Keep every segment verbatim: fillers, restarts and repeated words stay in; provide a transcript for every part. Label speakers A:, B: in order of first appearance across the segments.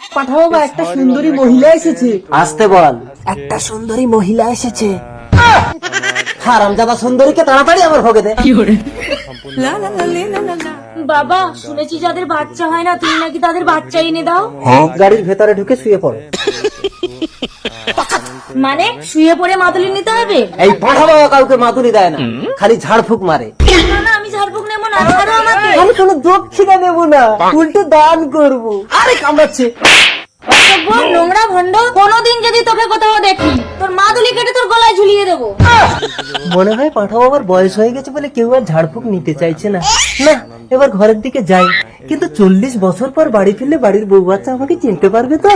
A: পাঠাবো বা একটা সুন্দরী মহিলা এসেছে।
B: আসতে বল।
A: একটা সুন্দরী মহিলা এসেছে।
B: হারামজাদা সুন্দরীকে তাড়াতাড়ি আমার ভোগে দে।
C: বাবা শুনেছি যাদের বাচ্চা হয় না তুমি নাকি তাদের বাচ্চা এনে দাও।
B: গাড়ির ভেতরে ঢুকে শুয়ে পড়ো।
C: মানে শুয়ে পড়ে মাদুলি নিতে হবে?
B: এই পাঠাবো কাউকে মাতুরি দেয় না, খালি ঝাড়ফুঁক মারে।
C: না না আমি ঝাড়ফুঁক নেবো না, ছাড়ো আমাকে।
B: আমি কোনো দক্ষিণা নেবো না, উল্টো দান করবো। আরে কামড়াচ্ছে।
C: অসভ্য, নোংরা ভণ্ড, কোনোদিন যদি তোকে কোথাও দেখি তোর মাদুলি কেটে তোর গলায় ঝুলিয়ে দেবো।
B: মনে হয় পাঠাবো আবার বয়স হয়ে গেছে বলে কেউ আর ঝাড়ফুঁক নিতে চাইছে না। না এবার ঘরের দিকে যাই, কিন্তু চল্লিশ বছর পর বাড়ি ফিরলে বাড়ির বউ বাচ্চা আমাকে চিনতে পারবে তো?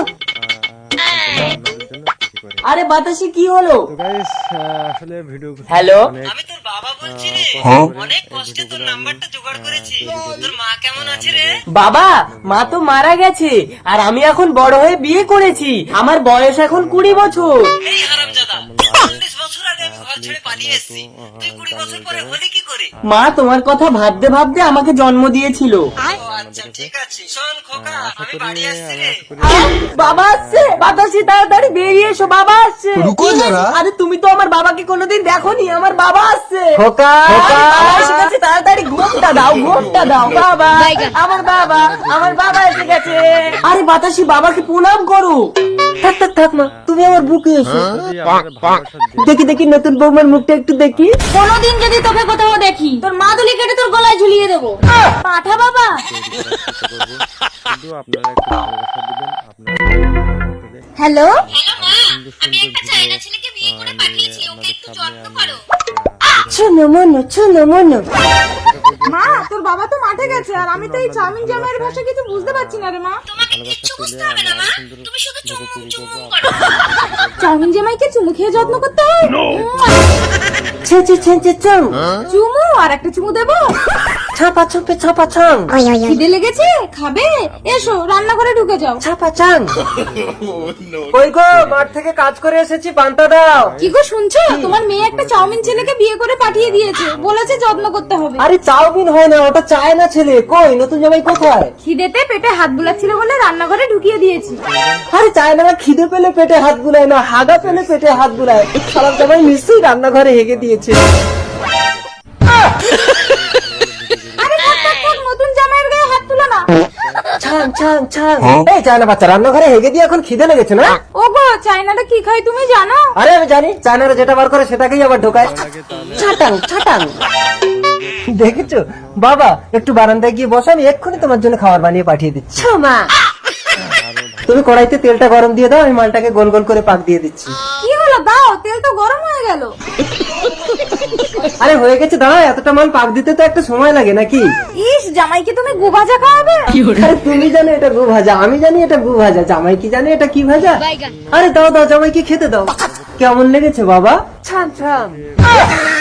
A: আরে বাতাসে কি হলো?
B: হ্যালো,
A: আমি তোর বাবা বলছি রে। অনেক কষ্টে তোর নাম্বারটা জোগাড় করেছি। তোর মা কেমন আছে রে? বাবা, মা তো মারা গেছে আর আমি এখন বড় হয়ে বিয়ে করেছি। আমার বয়স এখন কুড়ি বছর। এই হারামজাদা, চল্লিশ বছর আগে আমি ঘর ছেড়ে পালিয়ে এসেছি, তুই কুড়ি বছর পরে হলি কি করে? মা তোমার কথা ভাবতে ভাবতে আমাকে জন্ম দিয়েছিল। আচ্ছা ঠিক আছে, শোন খোকা, আমি বাড়ি আসছি রে। বাবা আসছে, বাতাসি তাড়াতাড়ি বেরিয়ে এসো, বাবা আসছে।
D: রুকো যারা।
A: আরে তুমি তো আমার বাবাকে কোনোদিন দেখোনি, আমার বাবা আসছে।
B: খোকা
A: খোকা এসে গেছে, তাড়াতাড়ি ঘুমটা দাও, ঘুমটা দাও। বাবা, আমার বাবা, আমার বাবা এসে গেছে। আরে বাতাসি, বাবাকে প্রণাম করো।
B: থাক থাক থাক মা, তুমি আমার বুকে এসো। দেখি দেখি নতুন বৌমার মুখটা একটু দেখি।
C: কোনোদিন যদি তোকে কোথাও দেখি তোর মাদুলি কেটে তোর গলায় ঝুলিয়ে দেবো। পাঠা বাবা। হ্যালো,
B: শোনো মনো, শোনো মনো।
E: মা তোর বাবা তো মাঠে গেছে আর আমি তো এই চাউমিন জামাইয়ের ভাষা কিছু বুঝতে পারছি না রে মা।
C: তোমাকে কিচ্ছু বুঝতে হবে না মা, তুমি শুধু চুমু চুমু করো।
E: চাউমিন জামাইকে চুমু খেয়ে যত্ন করতে হয়।
B: ছে ছে ছে ছে চং।
E: চুমু আর একটা চুমু দেবো।
B: ছাপা ছপে ছাপা ছং।
E: খিদে লেগেছে, খাবে? এসো রান্নাঘরে ঢুকে যাও।
B: ছাপা চাং। ওই গো, মাঠ থেকে কাজ করে এসেছি, পান্তা দাও।
E: কি গো শুনছো? তোমার মেয়ে একটা চাউমিন ছেলেকে বিয়ে করে পাঠিয়ে দিয়েছে, বলেছে যত্ন করতে হবে।
B: আরে চাউমিন হয় না, ওটা চায় না ছেলে। কই নতুন জামাই কোথায়?
E: খিদেতে পেটে হাত বুলাচ্ছিল বলে রান্নাঘরে ঢুকিয়ে দিয়েছি।
B: আরে চায় না, খিদে পেলে পেটে হাত বুলায় না, হাগা পেলে পেটে হাত বুলায়। খারাপ জামাই নিশ্চয়ই রান্নাঘরে হেগে দিয়েছে।
E: আরে থাক, থাক, থাক, নতুন জামাইয়ের গায়ে হাত তুলো না।
B: ছাং ছাং ছাং। এই চায় না বাচ্চা, রান্নাঘরে হেগে দিয়ে এখন খিদে লেগেছে না?
E: ও গো, চাইনাটা কি খাই তুমি জানো?
B: আরে আমি জানি, চায়নারা যেটা বার করে সেটাকেই আবার ঢোকায়। ছাটাং ছাটাং। দেখেছো বাবা, একটু বারান্দায় গিয়ে বসো, আমি এক্ষুনি তোমার জন্য খাবার বানিয়ে পাঠিয়ে দিচ্ছি।
A: মা,
B: তুমি কড়াইতে তেলটা গরম দিয়ে দাও, আমি মালটাকে গোল গোল করে পাক দিয়ে দিচ্ছি।
E: কি হলো, দাও, তেল তো গরম হয়ে গেল।
B: আরে হয়ে গেছে, দাঁড়াও, এতটা মাল পাক দিতে তো একটা সময় লাগে নাকি?
E: ইস, জামাইকে তুমি গু ভাজা খাওয়াবে?
B: আরে তুমি জানো এটা গু ভাজা, আমি জানি এটা গু ভাজা, জামাই কি জানে এটা কি ভাজা? আরে দাও দাও, জামাইকে খেতে দাও। কেমন লেগেছে বাবা? ছান ছান।